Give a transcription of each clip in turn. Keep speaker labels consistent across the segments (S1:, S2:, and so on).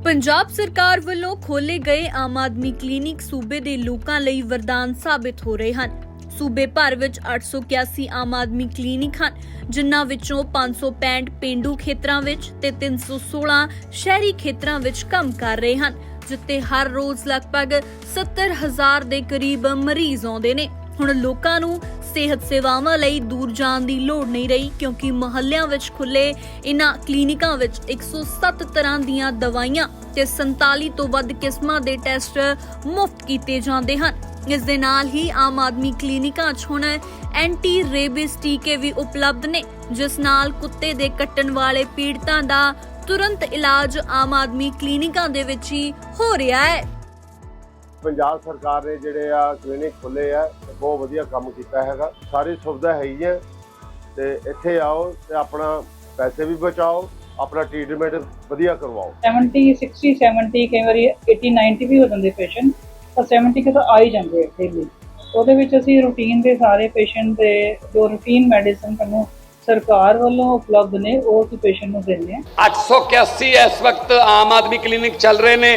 S1: ਪੰਜਾਬ ਸਰਕਾਰ ਵੱਲੋਂ ਖੋਲੇ ਗਏ ਆਮ ਆਦਮੀ ਕਲੀਨਿਕ ਸੂਬੇ ਦੇ ਲੋਕਾਂ ਲਈ ਵਰਦਾਨ ਸਾਬਿਤ ਹੋ ਰਹੇ ਹਨ। ਸੂਬੇ ਭਰ ਵਿੱਚ 881 ਆਮ ਆਦਮੀ ਕਲੀਨਿਕ ਹਨ, ਜਿਨ੍ਹਾਂ ਵਿੱਚੋਂ 565 ਪਿੰਡੂ ਖੇਤਰਾਂ ਵਿੱਚ ਤੇ 316 ਸ਼ਹਿਰੀ ਖੇਤਰਾਂ ਵਿੱਚ ਕੰਮ ਕਰ ਰਹੇ ਹਨ, ਜਿੱਥੇ ਹਰ ਰੋਜ਼ ਲਗਭਗ 70,000 ਦੇ ਕਰੀਬ ਮਰੀਜ਼ ਆਉਂਦੇ ਨੇ। ਹੁਣ ਲੋਕਾਂ ਨੂੰ ਸਿਹਤ ਸੇਵਾਵਾਂ ਲਈ ਦੂਰ ਜਾਣ ਦੀ ਲੋੜ ਨਹੀਂ ਰਹੀ, ਕਿਉਂਕਿ ਮੁਹੱਲਿਆਂ ਵਿੱਚ ਖੁੱਲੇ ਇਨ੍ਹਾਂ ਕਲੀਨਿਕਾਂ ਵਿੱਚ 107 ਤਰ੍ਹਾਂ ਦੀਆਂ ਦਵਾਈਆਂ ਤੇ 47 ਤੋਂ ਵੱਧ ਕਿਸਮਾਂ ਦੇ ਟੈਸਟ ਮੁਫਤ ਕੀਤੇ ਜਾਂਦੇ ਹਨ। ਇਸ ਦੇ ਨਾਲ ਹੀ ਆਮ ਆਦਮੀ ਕਲੀਨਿਕਾਂ 'ਚ ਹੁਣ ਐਂਟੀ ਰੇਬਿਸ ਟੀਕੇ ਵੀ ਉਪਲਬਧ ਨੇ, ਜਿਸ ਨਾਲ ਕੁੱਤੇ ਦੇ ਕੱਟਣ ਵਾਲੇ ਪੀੜਤਾਂ ਦਾ ਤੁਰੰਤ ਇਲਾਜ ਆਮ ਆਦਮੀ ਕਲੀਨਿਕਾਂ ਦੇ ਵਿੱਚ ਹੀ ਹੋ ਰਿਹਾ ਹੈ।
S2: ਪੰਜਾਬ ਸਰਕਾਰ ਨੇ ਜਿਹੜੇ ਆ ਕਲੀਨਿਕ ਖੋਲੇ ਆ, ਬਹੁਤ ਵਧੀਆ ਕੰਮ ਕੀਤਾ ਹੈਗਾ। ਸਾਰੀ ਸੁਵਿਧਾ ਹੈ ਹੀ ਹੈ ਤੇ ਇੱਥੇ ਆਓ ਤੇ ਆਪਣਾ ਪੈਸੇ ਵੀ ਬਚਾਓ, ਆਪਣਾ ਟ੍ਰੀਟਮੈਂਟ ਵਧੀਆ ਕਰਵਾਓ।
S3: 70 60 70 ਕਈ ਵਾਰੀ 80 90 ਵੀ ਹੋ ਜਾਂਦੇ ਪੇਸ਼ੈਂਟ, ਤਾਂ 70 ਤਾਂ ਆ ਹੀ ਜਾਂਦੇ ਡੇਲੀ। ਉਹਦੇ ਵਿੱਚ ਅਸੀਂ ਰੂਟੀਨ ਦੇ ਸਾਰੇ ਪੇਸ਼ੈਂਟ ਦੇ ਜੋ ਰੂਟੀਨ ਮੈਡੀਸਨ ਸਾਨੂੰ ਸਰਕਾਰ ਵੱਲੋਂ ਉਪਲਬਧ ਨੇ ਉਹ ਅਸੀਂ ਪੇਸ਼ੈਂਟ ਨੂੰ ਦਿੰਦੇ ਹਾਂ।
S4: 881 ਇਸ ਵਕਤ ਆਮ ਆਦਮੀ ਕਲੀਨਿਕ ਚੱਲ ਰਹੇ ਨੇ,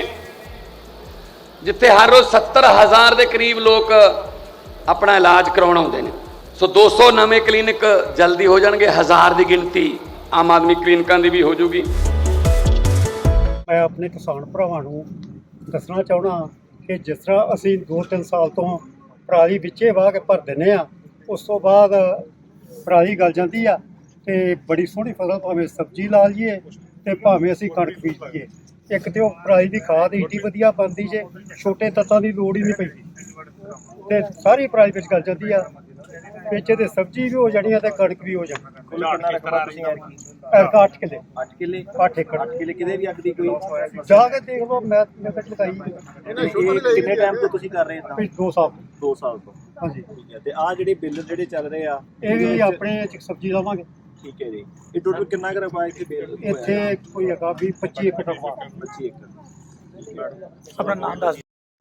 S4: ਜਿੱਥੇ ਹਰ ਰੋਜ਼ 70,000 ਦੇ ਕਰੀਬ ਲੋਕ ਆਪਣਾ ਇਲਾਜ ਕਰਾਉਣ ਆਉਂਦੇ ਨੇ। ਸੋ 200 ਨਵੇਂ ਕਲੀਨਿਕ ਜਲਦੀ ਹੋ ਜਾਣਗੇ, 1000 ਦੀ ਗਿਣਤੀ ਆਮ ਆਦਮੀ ਕਲੀਨਿਕਾਂ ਦੀ ਵੀ ਹੋ ਜੂਗੀ।
S5: ਮੈਂ ਆਪਣੇ ਕਿਸਾਨ ਭਰਾਵਾਂ ਨੂੰ ਦੱਸਣਾ ਚਾਹੁੰਦਾ ਕਿ ਜਿਸ ਤਰ੍ਹਾਂ ਅਸੀਂ 2-3 ਸਾਲ ਤੋਂ ਪਰਾਲੀ ਵਿੱਚੇ ਵਾਹ ਕੇ ਭਰ ਦਿੰਦੇ ਆ, ਉਸ ਤੋਂ ਬਾਅਦ ਪਰਾਲੀ ਗਲ ਜਾਂਦੀ ਆ ਤੇ ਬੜੀ ਸੋਹਣੀ ਫਸਲ ਭਾਵੇਂ ਸਬਜ਼ੀ ਲਾ ਲਈਏ ਤੇ ਭਾਵੇਂ ਅਸੀਂ ਕਣਕ ਬੀਜ ਲਈਏ। ਇੱਕ ਤੇ ਉਹ ਪਰਾਲੀ ਦੀ ਖਾਦ ਏਡੀ ਵਧੀਆ ਬਣਦੀ ਜੇ, ਛੋਟੇ ਤੱਤਾਂ ਦੀ ਲੋੜ ਹੀ ਨਹੀਂ ਪੈਂਦੀ ਤੇ ਸਾਰੀ ਪਰਾਲੀ ਵਿੱਚ ਗਲ ਜਾਂਦੀ ਆ। ਵਿੱਚ ਤੇ ਸਬਜ਼ੀ ਵੀ ਹੋ ਜਾਣੀ ਆ ਤੇ ਕਣਕ ਵੀ ਹੋ ਜਾਣੀ।
S6: ਕਿੰਨਾ ਰਕਬਾ ਤੁਸੀਂ ਐਰਕੀ?
S5: 8 ਕਿੱਲੇ
S6: 8 ਕਿੱਲੇ
S5: 8 ਏਕੜ
S6: 8 ਕਿੱਲੇ ਕਿਤੇ ਵੀ ਅੱਗ ਦੀ ਕੋਈ
S5: ਜਾ ਕੇ ਦੇਖ ਲਓ। ਮੈਂ ਕੱਟ ਲਗਾਈ
S6: ਕਿੰਨੇ ਟਾਈਮ ਤੋਂ ਤੁਸੀਂ ਕਰ ਰਹੇ ਹੋ?
S5: 2 ਸਾਲ
S6: 2 ਸਾਲ ਤੋਂ।
S5: ਹਾਂਜੀ।
S6: ਠੀਕ ਹੈ। ਤੇ ਆ ਜਿਹੜੇ ਬਿੱਲ ਜਿਹੜੇ ਚੱਲ ਰਹੇ ਆ
S5: ਇਹ ਵੀ ਆਪਣੇ ਸਬਜ਼ੀ ਲਾਵਾਂਗੇ।
S6: ਠੀਕ ਹੈ ਜੀ। ਇਹ ਟੋਟਲ ਕਿੰਨਾ ਕੁ ਰਕਬਾ ਇੱਥੇ ਬਿੱਲ
S5: ਇੱਥੇ ਕੋਈ ਹੈਗਾ 25 ਏਕੜ ਰਕਬਾ।
S6: 25 ਏਕੜ।
S7: ਆਪਣਾ ਨਾਮ ਦੱਸ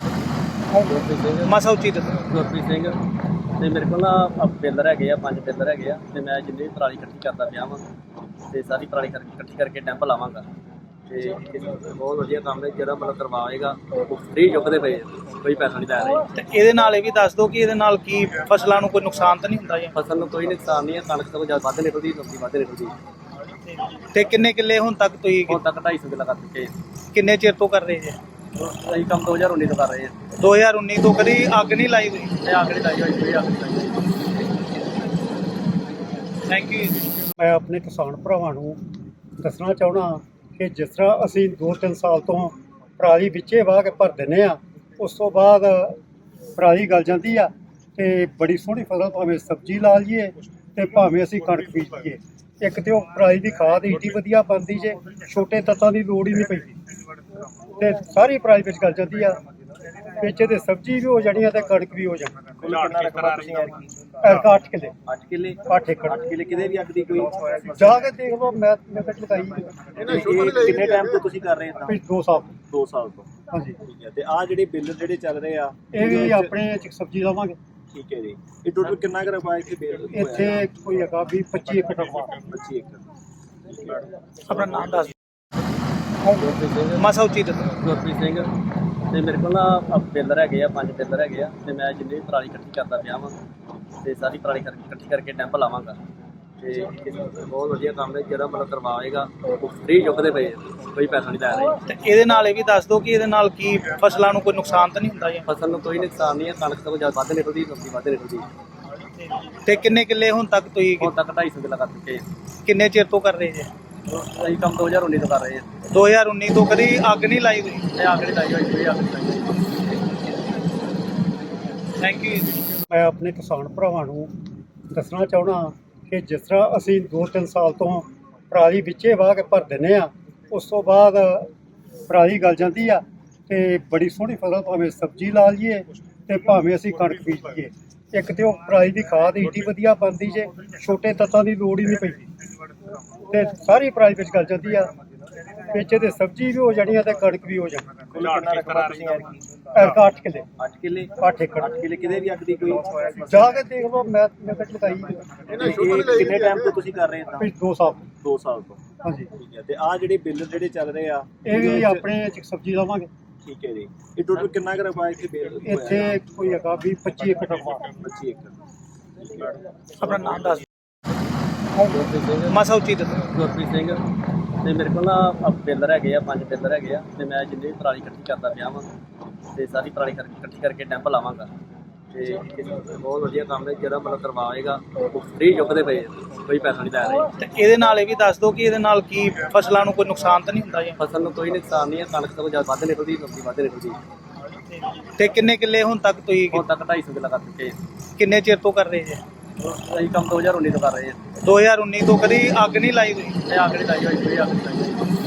S7: ਮਾਸਾ ਉੱਚੀ ਦੱਸੋ।
S8: ਗੁਰਪ੍ਰੀਤ ਸਿੰਘ ਤੇ ਮੇਰੇ ਕੋਲ ਨਾ ਪਿੱਲਰ ਹੈਗੇ ਆ, 5 ਪਿੱਲਰ ਹੈਗੇ ਆ ਤੇ ਮੈਂ ਜਿੰਨੀ ਪਰਾਲੀ ਇਕੱਠੀ ਕਰਦਾ ਪਿਆ ਵਾਂ ਤੇ ਸਾਰੀ ਪਰਾਲੀ ਇਕੱਠੀ ਕਰਕੇ ਡੈਂਪ ਲਾਵਾਂਗਾ ਤੇ ਬਹੁਤ ਵਧੀਆ ਕੰਮ ਹੈ। ਜਿਹੜਾ ਮਤਲਬ ਕਰਵਾਏਗਾ ਉਹ ਫ੍ਰੀ ਚੁੱਕਦੇ ਪਏ, ਕੋਈ ਪੈਸਾ ਨਹੀਂ ਲੈ ਰਹੇ।
S7: ਤੇ ਇਹਦੇ ਨਾਲ ਇਹ ਵੀ ਦੱਸ ਦਿਓ ਕਿ ਇਹਦੇ ਨਾਲ ਕੀ ਫਸਲਾਂ ਨੂੰ ਕੋਈ ਨੁਕਸਾਨ ਤਾਂ ਨਹੀਂ ਹੁੰਦਾ ਜੀ?
S8: ਫਸਲ ਨੂੰ ਕੋਈ ਨੁਕਸਾਨ ਨਹੀਂ ਹੈ, ਕਣਕ ਤੋਂ ਜ਼ਿਆਦਾ ਵੱਧ ਨਿਕਲਦੀ, ਸਬਜ਼ੀ ਵੱਧ ਨਿਕਲਦੀ।
S7: ਤੇ ਕਿੰਨੇ ਕਿੱਲੇ ਹੁਣ ਤੱਕ ਤੁਸੀਂ
S8: ਹੁਣ ਤੱਕ 250 ਕਿੱਲਾ ਕਰ ਚੁੱਕੇ।
S7: ਕਿੰਨੇ ਚਿਰ ਤੋਂ ਕਰ ਰਹੇ ਜੀ?
S8: ਅਸੀਂ ਕੰਮ 2019 ਤੋਂ ਕਰ ਰਹੇ ਹਾਂ।
S7: 2019 ਤੋਂ ਕਦੀ ਅੱਗ ਨਹੀਂ ਲਾਈ ਤੁਸੀਂ?
S8: ਇਹ ਅੱਗ ਨਹੀਂ ਲਾਈ ਹੋਈ, ਕੋਈ ਅੱਗ ਨਹੀਂ ਲਾਈ ਹੋਈ।
S7: Thank you.
S5: ਮੈਂ ਆਪਣੇ ਕਿਸਾਨ ਭਰਾਵਾਂ ਨੂੰ ਦੱਸਣਾ ਚਾਹੁੰਦਾ ਕਿ ਜਿਸ ਤਰ੍ਹਾਂ ਅਸੀਂ 2-3 ਸਾਲ ਤੋਂ ਪਰਾਲੀ ਵਿੱਚੇ ਵਾਹ ਕੇ ਭਰ ਦਿੰਦੇ ਆ, ਉਸ ਤੋਂ ਬਾਅਦ ਪਰਾਲੀ ਗਲ ਜਾਂਦੀ ਆ ਤੇ ਬੜੀ ਸੋਹਣੀ ਫਸਲ ਭਾਵੇਂ ਸਬਜ਼ੀ ਲਾ ਲਈਏ ਤੇ ਭਾਵੇਂ ਅਸੀਂ ਕਣਕ ਬੀਜ ਲਈਏ। ਇੱਕ ਤੇ ਉਹ ਪਰਾਲੀ ਦੀ ਖਾਦ ਏਡੀ ਵਧੀਆ ਬਣਦੀ ਜੇ, ਛੋਟੇ ਤੱਤਾਂ ਦੀ ਲੋੜ ਹੀ ਨਹੀਂ ਪੈਂਦੀ ਤੇ ਸਾਰੀ ਪਰਾਲੀ ਵਿੱਚ ਗਲ ਜਾਂਦੀ ਆ। ਵਿੱਚ ਤੇ ਸਬਜ਼ੀ ਵੀ ਹੋ ਜਾਣੀ ਆ ਤੇ ਕਣਕ ਵੀ ਹੋ ਜਾਣੀ।
S6: ਕਿੰਨਾ ਰਕਬਾ ਤੁਸੀਂ ਐਰਕੀ?
S5: 8 ਕਿੱਲੇ
S6: 8 ਕਿੱਲੇ
S5: 8 ਏਕੜ
S6: 8 ਕਿੱਲੇ ਕਿਤੇ ਵੀ ਅੱਗ ਦੀ ਕੋਈ
S5: ਜਾ ਕੇ ਦੇਖ ਲਓ। ਮੈਂ ਕੱਟ ਲਗਾਈ
S6: ਕਿੰਨੇ ਟਾਈਮ ਤੋਂ ਤੁਸੀਂ ਕਰ ਰਹੇ ਹੋ?
S5: 2 ਸਾਲ
S6: 2 ਸਾਲ ਤੋਂ।
S5: ਹਾਂਜੀ।
S6: ਠੀਕ ਹੈ। ਤੇ ਆ ਜਿਹੜੇ ਬਿੱਲ ਜਿਹੜੇ ਚੱਲ ਰਹੇ ਆ
S5: ਇਹ ਵੀ ਆਪਣੇ ਸਬਜ਼ੀ ਲਾਵਾਂਗੇ।
S6: ਠੀਕ ਹੈ ਜੀ। ਇਹ ਟੋਟਲ ਕਿੰਨਾ ਕੁ ਰਕਬਾ ਇੱਥੇ ਬਿੱਲ
S5: ਇੱਥੇ ਕੋਈ ਹੈਗਾ 25 ਏਕੜ ਰਕਬਾ।
S6: 25 ਏਕੜ।
S7: ਆਪਣਾ ਨਾਮ ਦੱਸ ਮਾਸਾ ਉੱਚੀ ਦੱਸੋ।
S8: ਗੁਰਪ੍ਰੀਤ ਸਿੰਘ ਤੇ ਮੇਰੇ ਕੋਲ ਨਾ ਪਿੱਲਰ ਹੈਗੇ ਆ, 5 ਪਿੱਲਰ ਹੈਗੇ ਆ ਤੇ ਮੈਂ ਜਿੰਨੀ ਪਰਾਲੀ ਇਕੱਠੀ ਕਰਦਾ ਪਿਆ ਵਾਂ ਤੇ ਸਾਰੀ ਪਰਾਲੀ ਇਕੱਠੀ ਕਰਕੇ ਡੈਂਪ ਲਾਵਾਂਗਾ ਤੇ ਬਹੁਤ ਵਧੀਆ ਕੰਮ ਹੈ। ਜਿਹੜਾ ਮਤਲਬ ਕਰਵਾਏਗਾ ਉਹ ਫ੍ਰੀ ਚੁੱਕਦੇ ਪਏ, ਕੋਈ ਪੈਸਾ ਨਹੀਂ ਲੈ ਰਹੇ।
S7: ਤੇ ਇਹਦੇ ਨਾਲ ਇਹ ਵੀ ਦੱਸ ਦਿਓ ਕਿ ਇਹਦੇ ਨਾਲ ਕੀ ਫਸਲਾਂ ਨੂੰ ਕੋਈ ਨੁਕਸਾਨ ਤਾਂ ਨਹੀਂ ਹੁੰਦਾ ਜੀ?
S8: ਫਸਲ ਨੂੰ ਕੋਈ ਨੁਕਸਾਨ ਨਹੀਂ ਹੈ, ਕਣਕ ਤੋਂ ਜ਼ਿਆਦਾ ਵੱਧ ਨਿਕਲਦੀ, ਸਬਜ਼ੀ ਵੱਧ ਨਿਕਲਦੀ।
S7: ਤੇ ਕਿੰਨੇ ਕਿੱਲੇ ਹੁਣ ਤੱਕ ਤੁਸੀਂ?
S8: ਹੁਣ ਤੱਕ 250 ਕਿੱਲਾ ਕਰ ਚੁੱਕੇ।
S7: ਕਿੰਨੇ ਚਿਰ ਤੋਂ ਕਰ ਰਹੇ ਜੀ?
S8: ਅਸੀਂ ਕੰਮ 2019 ਤੋਂ ਕਰ ਰਹੇ ਹਾਂ।
S7: 2019 ਤੋਂ ਕਦੀ ਅੱਗ ਨਹੀਂ ਲਾਈ ਤੁਸੀਂ?
S8: ਇਹ ਅੱਗ ਨਹੀਂ ਲਾਈ ਹੋਈ, ਕੋਈ ਅੱਗ ਨਹੀਂ ਲਾਈ ਹੋਈ।
S7: Thank you.
S5: ਮੈਂ ਆਪਣੇ ਕਿਸਾਨ ਭਰਾਵਾਂ ਨੂੰ ਦੱਸਣਾ ਚਾਹੁੰਦਾ ਕਿ ਜਿਸ ਤਰ੍ਹਾਂ ਅਸੀਂ 2-3 ਸਾਲ ਤੋਂ ਪਰਾਲੀ ਵਿੱਚੇ ਵਾਹ ਕੇ ਭਰ ਦਿੰਦੇ ਆ, ਉਸ ਤੋਂ ਬਾਅਦ ਪਰਾਲੀ ਗਲ ਜਾਂਦੀ ਆ ਤੇ ਬੜੀ ਸੋਹਣੀ ਫਸਲ ਭਾਵੇਂ ਸਬਜ਼ੀ ਲਾ ਲਈਏ ਤੇ ਭਾਵੇਂ ਅਸੀਂ ਕਣਕ ਬੀਜ ਲਈਏ। ਇੱਕ ਤੇ ਉਹ ਪਰਾਲੀ ਦੀ ਖਾਦ ਏਡੀ ਵਧੀਆ ਬਣਦੀ ਜੇ, ਛੋਟੇ ਤੱਤਾਂ ਦੀ ਲੋੜ ਹੀ ਨਹੀਂ ਪੈਂਦੀ ਤੇ ਸਾਰੀ ਪਰਾਲੀ ਵਿੱਚ ਗਲ ਜਾਂਦੀ ਆ। ਵਿੱਚ ਤੇ ਸਬਜ਼ੀ ਵੀ ਹੋ ਜਾਣੀ ਆ ਤੇ ਕਣਕ ਵੀ ਹੋ ਜਾਣੀ।
S6: ਕਿੰਨਾ ਰਕਬਾ ਤੁਸੀਂ ਐਰਕੀ?
S5: 8 ਕਿੱਲੇ
S6: 8 ਕਿੱਲੇ
S5: 8 ਏਕੜ
S6: 8 ਕਿੱਲੇ ਕਿਤੇ ਵੀ ਅੱਗ ਦੀ ਕੋਈ
S5: ਜਾ ਕੇ ਦੇਖ ਲਓ। ਮੈਂ ਕੱਟ ਲਗਾਈ
S6: ਕਿੰਨੇ ਟਾਈਮ ਤੋਂ ਤੁਸੀਂ ਕਰ ਰਹੇ ਹੋ?
S5: 2 ਸਾਲ
S6: 2 ਸਾਲ ਤੋਂ।
S5: ਹਾਂਜੀ
S6: ਠੀਕ ਹੈ ਤੇ ਆ ਜਿਹੜੇ ਬਿੱਲ ਜਿਹੜੇ ਚੱਲ ਰਹੇ ਆ
S5: ਇਹ ਵੀ ਆਪਣੇ ਚ ਸਬਜ਼ੀ ਲਾਵਾਂਗੇ।
S6: ਠੀਕ ਹੈ ਜੀ। ਇਹ ਟੋਟਲ ਕਿੰਨਾ ਕੁ ਰਕਬਾ ਇੱਥੇ ਬਿੱਲ
S5: ਇੱਥੇ ਕੋਈ ਹੈਗਾ 20-25 ਏਕੜ ਰਕਬਾ।
S6: 25 ਏਕੜ।
S7: ਆਪਣਾ ਨਾਮ ਦੱਸ ਮਾਸਾ ਉੱਚੀ ਦੱਸੋ।
S8: ਗੁਰਪ੍ਰੀਤ ਸਿੰਘ ਤੇ ਮੇਰੇ ਕੋਲ ਨਾ ਪਿੱਲਰ ਹੈਗੇ ਆ 5 ਪਿੱਲਰ ਹੈਗੇ ਆ ਤੇ ਮੈਂ ਜਿੰਨੀ ਵੀ ਪਰਾਲੀ ਇਕੱਠੀ ਕਰਦਾ ਪਿਆ ਵਾਂ ਤੇ ਸਾਰੀ ਪਰਾਲੀ ਇਕੱਠੀ ਕਰਕੇ ਡੈਂਪ ਲਾਵਾਂਗਾ ਤੇ ਬਹੁਤ ਵਧੀਆ ਕੰਮ ਹੈ ਜਿਹੜਾ ਮਤਲਬ ਕਰਵਾਏਗਾ ਉਹ ਫ੍ਰੀ ਚੁੱਕਦੇ ਪਏ ਆ, ਕੋਈ ਪੈਸਾ ਨਹੀਂ ਲੈ ਰਹੇ।
S7: ਤੇ ਇਹਦੇ ਨਾਲ ਇਹ ਵੀ ਦੱਸ ਦਿਓ ਕਿ ਇਹਦੇ ਨਾਲ ਕੀ ਫਸਲਾਂ ਨੂੰ ਕੋਈ ਨੁਕਸਾਨ ਤਾਂ ਨਹੀਂ ਹੁੰਦਾ ਜੀ?
S8: ਫਸਲ ਨੂੰ ਕੋਈ ਨੁਕਸਾਨ ਨਹੀਂ ਹੈ, ਕਣਕ ਤੋਂ ਜ਼ਿਆਦਾ ਵੱਧ ਨਿਕਲਦੀ, ਸਬਜ਼ੀ ਵੱਧ ਨਿਕਲਦੀ।
S7: ਤੇ ਕਿੰਨੇ ਕਿੱਲੇ ਹੁਣ ਤੱਕ ਤੁਸੀਂ
S8: ਹੁਣ ਤੱਕ 250 ਕਿੱਲਾ ਕਰ ਚੁੱਕੇ ਆ।
S7: ਕਿੰਨੇ ਚਿਰ ਤੋਂ ਕਰ ਰਹੇ ਜੀ?
S8: ਅਸੀਂ ਕੰਮ 2019 ਤੋਂ ਕਰ ਰਹੇ ਹਾਂ।
S7: 2019 ਤੋਂ ਕਦੀ ਅੱਗ ਨਹੀਂ ਲਾਈ ਤੁਸੀਂ?
S8: ਇਹ ਅੱਗ ਨਹੀਂ ਲਾਈ ਹੋਈ, ਕੋਈ ਅੱਗ ਨਹੀਂ ਲਾਈ ਹੋਈ।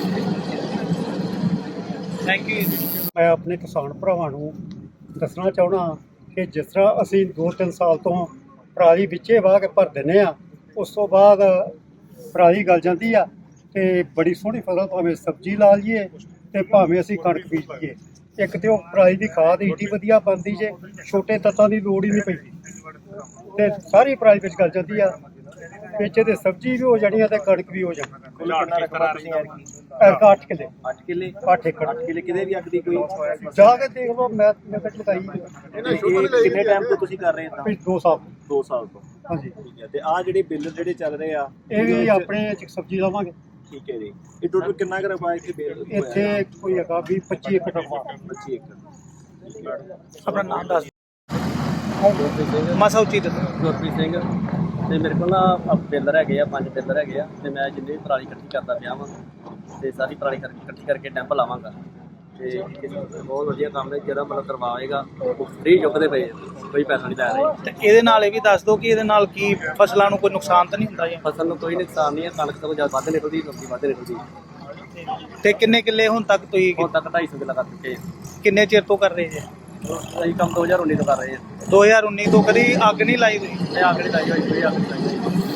S7: Thank you.
S5: ਮੈਂ ਆਪਣੇ ਕਿਸਾਨ ਭਰਾਵਾਂ ਨੂੰ ਦੱਸਣਾ ਚਾਹੁੰਦਾ ਕਿ ਜਿਸ ਤਰ੍ਹਾਂ ਅਸੀਂ 2-3 ਸਾਲ ਤੋਂ ਪਰਾਲੀ ਵਿੱਚੇ ਵਾਹ ਕੇ ਭਰ ਦਿੰਦੇ ਆ, ਉਸ ਤੋਂ ਬਾਅਦ ਪਰਾਲੀ ਗਲ ਜਾਂਦੀ ਆ ਤੇ ਬੜੀ ਸੋਹਣੀ ਫਸਲ ਭਾਵੇਂ ਸਬਜ਼ੀ ਲਾ ਲਈਏ ਤੇ ਭਾਵੇਂ ਅਸੀਂ ਕਣਕ ਬੀਜ ਲਈਏ। ਇੱਕ ਤੇ ਉਹ ਪਰਾਲੀ ਦੀ ਖਾਦ ਏਡੀ ਵਧੀਆ ਬਣਦੀ ਜੇ ਛੋਟੇ ਤੱਤਾਂ ਦੀ ਲੋੜ ਹੀ ਨਹੀਂ ਪੈਂਦੀ ਤੇ ਸਾਰੀ ਪਰਾਲੀ ਵਿੱਚ ਗਲ ਜਾਂਦੀ ਆ। ਵਿੱਚ ਤੇ ਸਬਜ਼ੀ ਵੀ ਹੋ ਜਾਣੀ ਆ ਤੇ ਕਣਕ ਵੀ ਹੋ ਜਾਣੀ।
S6: ਕੁੱਲ ਕਿੰਨਾ ਰਕਬਾ ਤੁਸੀਂ ਐਤਕੀ?
S5: 8 ਕਿੱਲੇ
S6: 8 ਕਿੱਲੇ
S5: 8 ਏਕੜ
S6: 8 ਕਿੱਲੇ ਕਿਤੇ ਵੀ ਅੱਗ ਦੀ ਕੋਈ
S5: ਜਾ ਕੇ ਦੇਖ ਲਓ। ਮੈਂ ਕੱਟ ਲਗਾਈ
S6: ਇਹ ਕਿੰਨੇ ਟਾਈਮ ਤੋਂ ਤੁਸੀਂ ਕਰ ਰਹੇ ਇਦਾਂ?
S5: 2 ਸਾਲ।
S6: 2 ਸਾਲ ਤੋਂ।
S5: ਹਾਂਜੀ
S6: ਠੀਕ ਹੈ ਤੇ ਆ ਜਿਹੜੇ ਬਿੱਲ ਜਿਹੜੇ ਚੱਲ ਰਹੇ ਆ
S5: ਇਹ ਵੀ ਆਪਣੇ ਚ ਸਬਜ਼ੀ ਲਾਵਾਂਗੇ।
S6: ਠੀਕ ਹੈ ਜੀ। ਇਹ ਟੋਟਲ ਕਿੰਨਾ ਕੁ ਰਕਬਾ ਇੱਥੇ ਬਿੱਲ
S5: ਇੱਥੇ ਕੋਈ ਹੈਗਾ 20-25 ਏਕੜ ਰਕਬਾ।
S6: 25 ਏਕੜ।
S7: ਆਪਣਾ ਨਾਮ ਦੱਸ ਮਾਸਾ ਉੱਚੀ ਦੱਸੋ।
S8: ਗੁਰਪ੍ਰੀਤ ਸਿੰਘ ਤੇ ਮੇਰੇ ਕੋਲ ਨਾ ਪਿੱਲਰ ਹੈਗੇ ਆ 5 ਪਿੱਲਰ ਹੈਗੇ ਆ ਤੇ ਮੈਂ ਜਿੰਨੀ ਵੀ ਪਰਾਲੀ ਇਕੱਠੀ ਕਰਦਾ ਪਿਆ ਵਾਂ ਤੇ ਸਾਰੀ ਪਰਾਲੀ ਇਕੱਠੀ ਕਰਕੇ ਡੈਂਪ ਲਾਵਾਂਗਾ ਤੇ ਬਹੁਤ ਵਧੀਆ ਕੰਮ ਹੈ ਜਿਹੜਾ ਮਤਲਬ ਕਰਵਾਏਗਾ ਉਹ ਫ੍ਰੀ ਚੁੱਕਦੇ ਪਏ ਆ, ਕੋਈ ਪੈਸਾ ਨਹੀਂ ਲੈ ਰਹੇ।
S7: ਤੇ ਇਹਦੇ ਨਾਲ ਇਹ ਵੀ ਦੱਸ ਦਿਓ ਕਿ ਇਹਦੇ ਨਾਲ ਕੀ ਫਸਲਾਂ ਨੂੰ ਕੋਈ ਨੁਕਸਾਨ ਤਾਂ ਨਹੀਂ ਹੁੰਦਾ ਜੀ?
S8: ਫਸਲ ਨੂੰ ਕੋਈ ਨੁਕਸਾਨ ਨਹੀਂ ਹੈ, ਕਣਕ ਤੋਂ ਜ਼ਿਆਦਾ ਵੱਧ ਨਿਕਲਦੀ, ਸਬਜ਼ੀ ਵੱਧ ਨਿਕਲਦੀ।
S7: ਤੇ ਕਿੰਨੇ ਕਿੱਲੇ ਹੁਣ ਤੱਕ ਤੁਸੀਂ
S8: ਹੁਣ ਤੱਕ 250 ਕਿੱਲਾ ਕਰ ਚੁੱਕੇ ਆ।
S7: ਕਿੰਨੇ ਚਿਰ ਤੋਂ ਕਰ ਰਹੇ ਜੀ?
S8: ਅਸੀਂ ਕੰਮ 2019 ਤੋਂ ਕਰ ਰਹੇ ਹਾਂ।
S7: 2019 ਤੋਂ ਕਦੀ ਅੱਗ ਨਹੀਂ ਲਾਈ ਤੁਸੀਂ?
S8: ਇਹ ਅੱਗ ਨਹੀਂ ਲਾਈ ਹੋਈ, ਕੋਈ ਅੱਗ ਨਹੀਂ ਲਾਈ ਹੋਈ।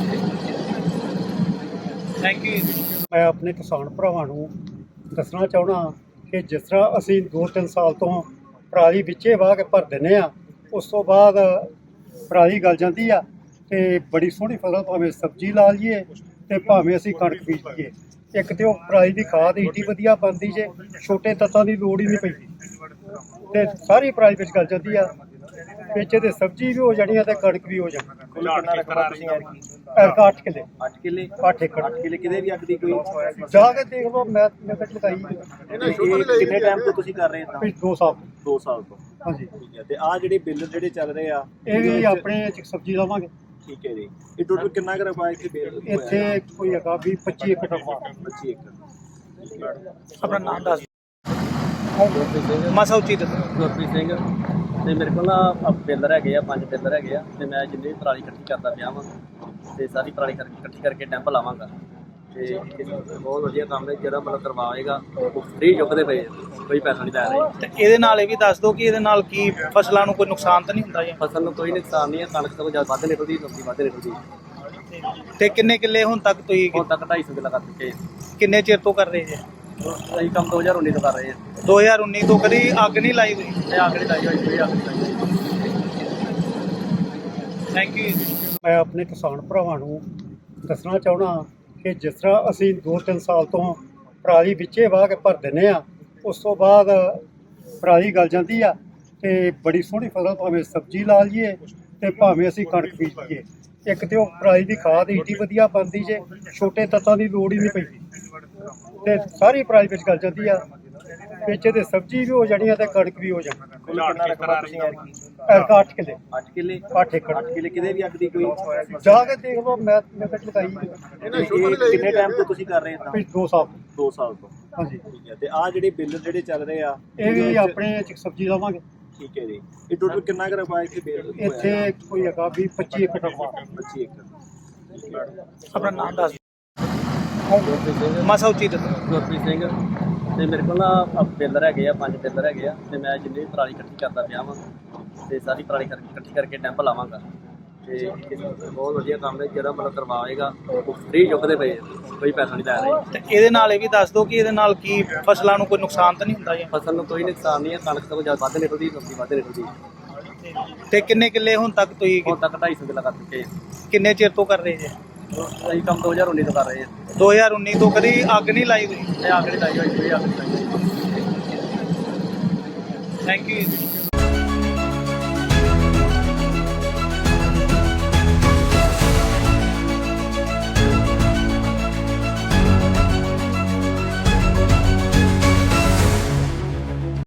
S7: Thank you.
S5: ਮੈਂ ਆਪਣੇ ਕਿਸਾਨ ਭਰਾਵਾਂ ਨੂੰ ਦੱਸਣਾ ਚਾਹੁੰਦਾ ਕਿ ਜਿਸ ਤਰ੍ਹਾਂ ਅਸੀਂ 2-3 ਸਾਲ ਤੋਂ ਪਰਾਲੀ ਵਿੱਚੇ ਵਾਹ ਕੇ ਭਰ ਦਿੰਦੇ ਆ, ਉਸ ਤੋਂ ਬਾਅਦ ਪਰਾਲੀ ਗਲ ਜਾਂਦੀ ਆ ਤੇ ਬੜੀ ਸੋਹਣੀ ਫਸਲ ਭਾਵੇਂ ਸਬਜ਼ੀ ਲਾ ਲਈਏ ਤੇ ਭਾਵੇਂ ਅਸੀਂ ਕਣਕ ਬੀਜ ਲਈਏ। ਇੱਕ ਤੇ ਉਹ ਪਰਾਲੀ ਦੀ ਖਾਦ ਏਡੀ ਵਧੀਆ ਬਣਦੀ ਜੇ ਛੋਟੇ ਤੱਤਾਂ ਦੀ ਲੋੜ ਹੀ ਨਹੀਂ ਪੈਂਦੀ ਤੇ ਸਾਰੀ ਪਰਾਲੀ ਵਿੱਚ ਗਲ ਜਾਂਦੀ ਆ। ਵਿੱਚ ਤੇ ਸਬਜ਼ੀ ਵੀ ਹੋ ਜਾਣੀ ਆ ਤੇ ਕਣਕ ਵੀ ਹੋ ਜਾਣੀ।
S6: ਕੁੱਲ ਕਿੰਨਾ ਰਕਬਾ ਤੁਸੀਂ ਐਤਕੀ?
S5: 8 ਕਿੱਲੇ
S6: 8 ਕਿੱਲੇ
S5: 8 ਏਕੜ
S6: 8 ਕਿੱਲੇ ਕਿਤੇ ਵੀ ਅੱਗ ਦੀ ਕੋਈ
S5: ਜਾ ਕੇ ਦੇਖ ਲਓ। ਮੈਂ ਕੱਟ ਲਗਾਈ
S6: ਇਹ ਕਿੰਨੇ ਟਾਈਮ ਤੋਂ ਤੁਸੀਂ ਕਰ ਰਹੇ ਇਦਾਂ?
S5: 2 ਸਾਲ।
S6: 2 ਸਾਲ ਤੋਂ।
S5: ਹਾਂਜੀ
S6: ਠੀਕ ਹੈ ਤੇ ਆ ਜਿਹੜੇ ਬਿੱਲ ਜਿਹੜੇ ਚੱਲ ਰਹੇ ਆ
S5: ਇਹ ਵੀ ਆਪਣੇ ਚ ਸਬਜ਼ੀ ਲਾਵਾਂਗੇ।
S6: ਠੀਕ ਹੈ ਜੀ। ਇਹ ਟੋਟਲ ਕਿੰਨਾ ਕੁ ਰਕਬਾ ਇੱਥੇ ਬਿੱਲ
S5: ਇੱਥੇ ਕੋਈ ਹੈਗਾ 20-25 ਏਕੜ ਰਕਬਾ।
S6: 25 ਏਕੜ।
S7: ਆਪਣਾ ਨਾਮ ਦੱਸ ਮਾਸਾ ਉੱਚੀ ਦੱਸੋ।
S8: ਗੁਰਪ੍ਰੀਤ ਸਿੰਘ ਤੇ ਮੇਰੇ ਕੋਲ ਨਾ ਪਿੱਲਰ ਹੈਗੇ ਆ 5 ਪਿੱਲਰ ਹੈਗੇ ਆ ਤੇ ਮੈਂ ਜਿੰਨੀ ਵੀ ਪਰਾਲੀ ਇਕੱਠੀ ਕਰਦਾ ਪਿਆ ਵਾਂ ਤੇ ਸਾਰੀ ਪਰਾਲੀ ਇਕੱਠੀ ਕਰਕੇ ਡੈਂਪ ਲਾਵਾਂਗਾ ਤੇ ਬਹੁਤ ਵਧੀਆ ਕੰਮ ਹੈ ਜਿਹੜਾ ਮਤਲਬ ਕਰਵਾਏਗਾ ਉਹ ਫ੍ਰੀ ਚੁੱਕਦੇ ਪਏ ਆ, ਕੋਈ ਪੈਸਾ ਨਹੀਂ ਲੈ ਰਹੇ।
S7: ਤੇ ਇਹਦੇ ਨਾਲ ਇਹ ਵੀ ਦੱਸ ਦਿਓ ਕਿ ਇਹਦੇ ਨਾਲ ਕੀ ਫਸਲਾਂ ਨੂੰ ਕੋਈ ਨੁਕਸਾਨ ਤਾਂ ਨਹੀਂ ਹੁੰਦਾ ਜੀ?
S8: ਫਸਲ ਨੂੰ ਕੋਈ ਨੁਕਸਾਨ ਨਹੀਂ ਹੈ, ਕਣਕ ਤੋਂ ਜ਼ਿਆਦਾ ਵੱਧ ਨਿਕਲਦੀ, ਸਬਜ਼ੀ ਵੱਧ ਨਿਕਲਦੀ।
S7: ਤੇ ਕਿੰਨੇ ਕਿੱਲੇ ਹੁਣ ਤੱਕ ਤੁਸੀਂ
S8: ਹੁਣ ਤੱਕ 250 ਕਿੱਲਾ ਕਰ ਚੁੱਕੇ ਆ।
S7: ਕਿੰਨੇ ਚਿਰ ਤੋਂ ਕਰ ਰਹੇ ਜੀ?
S8: ਅਸੀਂ ਕੰਮ 2019 ਤੋਂ ਕਰ ਰਹੇ ਹਾਂ।
S7: 2019 ਤੋਂ ਕਦੀ ਅੱਗ ਨਹੀਂ ਲਾਈ ਤੁਸੀਂ?
S8: ਇਹ ਅੱਗ ਨਹੀਂ ਲਾਈ ਹੋਈ, ਕੋਈ ਅੱਗ ਨਹੀਂ ਲਾਈ ਹੋਈ।
S7: Thank you.
S5: ਮੈਂ ਆਪਣੇ ਕਿਸਾਨ ਭਰਾਵਾਂ ਨੂੰ ਦੱਸਣਾ ਚਾਹੁੰਦਾ ਕਿ ਜਿਸ ਤਰ੍ਹਾਂ ਅਸੀਂ 2-3 ਸਾਲ ਤੋਂ ਪਰਾਲੀ ਵਿੱਚੇ ਵਾਹ ਕੇ ਭਰ ਦਿੰਦੇ ਆ, ਉਸ ਤੋਂ ਬਾਅਦ ਪਰਾਲੀ ਗਲ ਜਾਂਦੀ ਆ ਤੇ ਬੜੀ ਸੋਹਣੀ ਫਸਲ ਭਾਵੇਂ ਸਬਜ਼ੀ ਲਾ ਲਈਏ ਤੇ ਭਾਵੇਂ ਅਸੀਂ ਕਣਕ ਬੀਜ ਲਈਏ। ਇੱਕ ਤੇ ਉਹ ਪਰਾਲੀ ਦੀ ਖਾਦ ਏਡੀ ਵਧੀਆ ਬਣਦੀ ਜੇ ਛੋਟੇ ਤੱਤਾਂ ਦੀ ਲੋੜ ਹੀ ਨਹੀਂ ਪੈਂਦੀ ਤੇ ਸਾਰੀ ਪਰਾਲੀ ਵਿੱਚ ਗਲ ਜਾਂਦੀ ਆ। ਵਿੱਚ ਤੇ ਸਬਜ਼ੀ ਵੀ ਹੋ ਜਾਣੀ ਆ ਤੇ ਕਣਕ ਵੀ ਹੋ ਜਾਣੀ।
S6: ਕੁੱਲ ਕਿੰਨਾ ਰਕਬਾ ਤੁਸੀਂ ਐਤਕੀ?
S5: 8 ਕਿੱਲੇ
S6: 8 ਕਿੱਲੇ
S5: 8 ਏਕੜ
S6: 8 ਕਿੱਲੇ ਕਿਤੇ ਵੀ ਅੱਗ ਦੀ ਕੋਈ
S5: ਜਾ ਕੇ ਦੇਖ ਲਓ। ਮੈਂ ਕੱਟ ਲਗਾਈ
S6: ਇਹ ਕਿੰਨੇ ਟਾਈਮ ਤੋਂ ਤੁਸੀਂ ਕਰ ਰਹੇ ਇਦਾਂ?
S5: 2 ਸਾਲ।
S6: 2 ਸਾਲ ਤੋਂ।
S5: ਹਾਂਜੀ
S6: ਠੀਕ ਹੈ ਤੇ ਆ ਜਿਹੜੇ ਬਿੱਲ ਜਿਹੜੇ ਚੱਲ ਰਹੇ ਆ
S5: ਇਹ ਵੀ ਆਪਣੇ ਚ ਸਬਜ਼ੀ ਲਾਵਾਂਗੇ।
S6: ਠੀਕ ਹੈ ਜੀ। ਇਹ ਟੋਟਲ ਕਿੰਨਾ ਕੁ ਰਕਬਾ ਇੱਥੇ ਬਿੱਲ
S5: ਇੱਥੇ ਕੋਈ ਹੈਗਾ 20-25 ਏਕੜ ਰਕਬਾ।
S6: 25 ਏਕੜ।
S7: ਆਪਣਾ ਨਾਮ ਦੱਸ ਮਾਸਾ ਉੱਚੀ ਦੱਸੋ।
S8: ਗੁਰਪ੍ਰੀਤ ਸਿੰਘ ਤੇ ਮੇਰੇ ਕੋਲ ਨਾ ਪਿੱਲਰ ਹੈਗੇ ਆ 5 ਪਿੱਲਰ ਹੈਗੇ ਆ ਤੇ ਮੈਂ ਜਿੰਨੀ ਵੀ ਪਰਾਲੀ ਇਕੱਠੀ ਕਰਦਾ ਪਿਆ ਵਾਂ ਤੇ ਸਾਰੀ ਪਰਾਲੀ ਇਕੱਠੀ ਕਰਕੇ ਡੈਂਪ ਲਾਵਾਂਗਾ ਤੇ ਬਹੁਤ ਵਧੀਆ ਕੰਮ ਹੈ ਜਿਹੜਾ ਮਤਲਬ ਕਰਵਾਏਗਾ ਉਹ ਫ੍ਰੀ ਚੁੱਕਦੇ ਪਏ ਆ, ਕੋਈ ਪੈਸਾ ਨਹੀਂ ਲੈ ਰਹੇ।
S7: ਤੇ ਇਹਦੇ ਨਾਲ ਇਹ ਵੀ ਦੱਸ ਦਿਓ ਕਿ ਇਹਦੇ ਨਾਲ ਕੀ ਫਸਲਾਂ ਨੂੰ ਕੋਈ ਨੁਕਸਾਨ ਤਾਂ ਨਹੀਂ ਹੁੰਦਾ ਜੀ?
S8: ਫਸਲ ਨੂੰ ਕੋਈ ਨੁਕਸਾਨ ਨਹੀਂ ਹੈ, ਕਣਕ ਤੋਂ ਜ਼ਿਆਦਾ ਵੱਧ ਨਿਕਲਦੀ, ਸਬਜ਼ੀ ਵੱਧ ਨਿਕਲਦੀ।
S7: ਤੇ ਕਿੰਨੇ ਕਿੱਲੇ ਹੁਣ ਤੱਕ ਤੁਸੀਂ
S8: ਹੁਣ ਤੱਕ 250 ਕਿੱਲਾ ਕਰ ਚੁੱਕੇ ਆ।
S7: ਕਿੰਨੇ ਚਿਰ ਤੋਂ ਕਰ ਰਹੇ ਜੀ?
S8: ਅਸੀਂ ਕੰਮ 2019 ਤੋਂ ਕਰ ਰਹੇ ਹਾਂ।
S7: 2019 ਤੋਂ ਕਦੀ ਅੱਗ ਨਹੀਂ ਲਾਈ ਤੁਸੀਂ?
S8: ਇਹ ਅੱਗ ਨਹੀਂ ਲਾਈ ਹੋਈ, ਕੋਈ ਅੱਗ ਨਹੀਂ ਲਾਈ ਹੋਈ।
S7: Thank you.